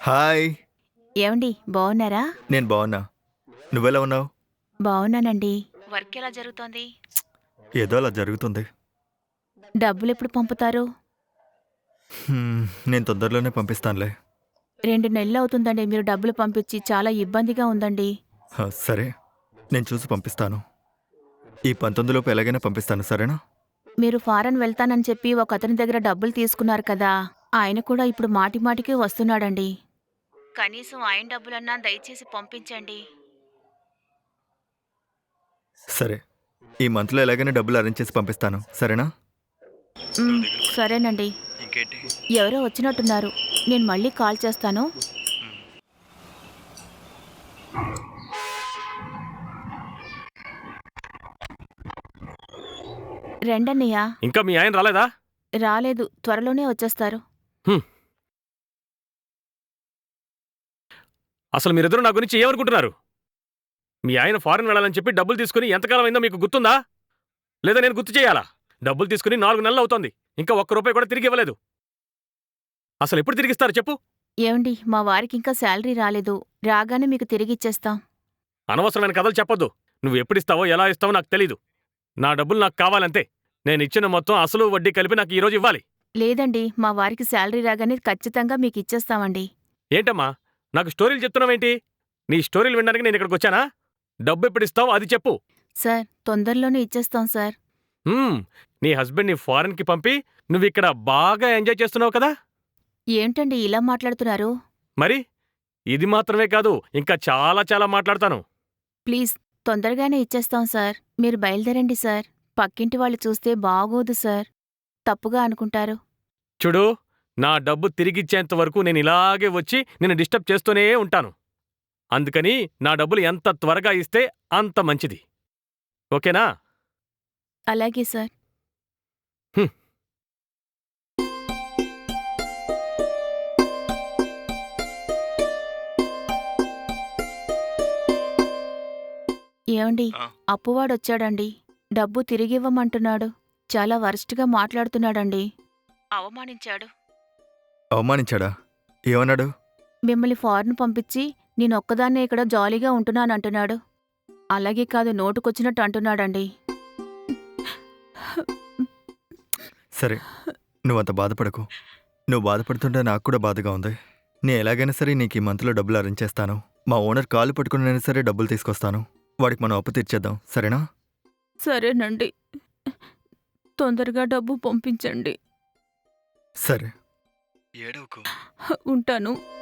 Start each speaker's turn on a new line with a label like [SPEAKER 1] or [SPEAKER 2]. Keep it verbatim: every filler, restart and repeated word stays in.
[SPEAKER 1] Hi.
[SPEAKER 2] ఏవండి బాగున్నారా?
[SPEAKER 1] నేను బావున్నా. నువ్వెలా ఉన్నావు?
[SPEAKER 2] బాగున్నానండి. వర్క్ ఎలా జరుగుతోంది?
[SPEAKER 1] ఏదో అలా జరుగుతుంది.
[SPEAKER 2] డబ్బులెప్పుడు పంపుతారు?
[SPEAKER 1] హ్మ్. నేను తొందరలోనే పంపిస్తానులే.
[SPEAKER 2] రెండు నెలలవుతుందండి మీరు డబ్బులు పంపించి. చాలా ఇబ్బందిగా ఉందండి.
[SPEAKER 1] హ, సరే. నేను చూసి పంపిస్తాను. ఈ పంతొమ్మిది లోపు ఎలాగైనా పంపిస్తాను, సరేనా?
[SPEAKER 2] మీరు ఫారెన్ వెళ్తానని చెప్పి ఒకతని దగ్గర డబ్బులు తీసుకున్నారు కదా! ఆయన కూడా ఇప్పుడు మాటిమాటికి వస్తున్నాడండి. కనీసం ఆయన డబ్బులన్నా దయచేసి పంపించండి.
[SPEAKER 1] సరే. ఈ మంత్‌లో ఎలాగైనా డబ్బులు అరేంజ్ చేసి పంపిస్తాను, సరేనా?
[SPEAKER 2] హ్మ్. సరేనండి.
[SPEAKER 1] ఇంకేంటి?
[SPEAKER 2] ఎవరో వచ్చినట్టున్నారు. నేను మళ్ళీ కాల్ చేస్తాను. రండన్నయ్య.
[SPEAKER 3] ఇంకా మీ ఆయన రాలేదా?
[SPEAKER 2] రాలేదు. త్వరలోనే వచ్చేస్తారు.
[SPEAKER 3] హ్మ్. అసలు మీరిద్దరూ నా గురించి ఏమనుకుంటున్నారు? మీ ఆయన ఫారెన్ వెళ్ళాలని చెప్పి డబ్బులు తీసుకుని ఎంతకాలం అయిందో మీకు గుర్తుందా? లేదా నేను గుర్తు చేయాలా? డబ్బులు తీసుకుని నాలుగు నెలలు అవుతోంది. ఇంకా ఒక్క రూపాయి కూడా తిరిగి ఇవ్వలేదు. అసలు ఎప్పుడు తిరిగిస్తారు చెప్పు?
[SPEAKER 2] ఏవండి మా వారికింకా శాలరీ రాలేదు. రాగానే మీకు తిరిగిచ్చేస్తాం.
[SPEAKER 3] అనవసరమైన కథలు చెప్పొద్దు. నువ్వు ఎప్పుడిస్తావో ఎలా ఇస్తావో నాకు తెలీదు. నా డబ్బులు నాకు కావాలంతే. నేనిచ్చిన మొత్తం అసలు వడ్డీ కలిపి నాకు ఈరోజు ఇవ్వాలి.
[SPEAKER 2] లేదండి మా వారికి శాలరీ రాగానే ఖచ్చితంగా మీకిచ్చేస్తామండి.
[SPEAKER 3] ఏంటమ్మా నాకు స్టోరీలు చెప్తున్నావేంటి? నీ స్టోరీలు వినడానికి నేను ఇక్కడికి వచ్చానా? డబ్బు ఎప్పుడిస్తావో అది చెప్పు.
[SPEAKER 2] సార్ తొందరలోనే ఇచ్చేస్తాం సార్.
[SPEAKER 3] హ్మ్. నీ హస్బెండ్‌ని ఫారెన్‌కి పంపి నువ్విక్కడ బాగా ఎంజాయ్ చేస్తున్నావు కదా!
[SPEAKER 2] ఏంటండి ఇలా మాట్లాడుతున్నారు?
[SPEAKER 3] మరి ఇది మాత్రమే కాదు, ఇంకా చాలా చాలా మాట్లాడతాను.
[SPEAKER 2] ప్లీజ్ తొందరగానే ఇచ్చేస్తాం సార్. మీరు బయలుదేరండి సార్. పక్కింటి వాళ్ళు చూస్తే బాగోదు సార్. తప్పుగా అనుకుంటారు.
[SPEAKER 3] చూడు, నా డబ్బు తిరిగిచ్చేంత వరకు నేను ఇలాగే వచ్చి నిన్ను డిస్టర్బ్ చేస్తూనే ఉంటాను. అందుకని నా డబ్బులు ఎంత త్వరగా ఇస్తే అంత మంచిది. ఓకేనా?
[SPEAKER 2] అలాగే సార్.
[SPEAKER 3] హ్మ్.
[SPEAKER 2] ఏవండి
[SPEAKER 1] ఆ.
[SPEAKER 2] అప్పువాడొచ్చాడండి. డబ్బు తిరిగివ్వమంటున్నాడు. చాలా వరస్ట్‌గా మాట్లాడుతున్నాడండి. అవమానించాడు.
[SPEAKER 1] అవమానించాడా? ఏమన్నాడు?
[SPEAKER 2] మిమ్మల్ని ఫారెన్ పంపించి నేనొక్కదాన్నే ఇక్కడ జాలీగా ఉంటున్నానంటున్నాడు. అలాగే కాదు నోటుకొచ్చినట్టు అంటున్నాడండి.
[SPEAKER 1] సరే. నువ్వంత బాధపడకు. నువ్వు బాధపడుతుంటే నాకు కూడా బాధగా ఉంది. నేను ఎలాగైనా సరే నీకు ఈ మంత్‌లో డబ్బులు అరేంజ్ చేస్తాను. మా ఓనర్ కాళ్ళు పట్టుకునైనా సరే డబ్బులు తీసుకొస్తాను. వాడికి మనం అప్పు తీర్చేద్దాం, సరేనా?
[SPEAKER 2] సరేనండి. తొందరగా డబ్బు పంపించండి.
[SPEAKER 1] సరే. ఏడవకు.
[SPEAKER 2] ఉంటాను.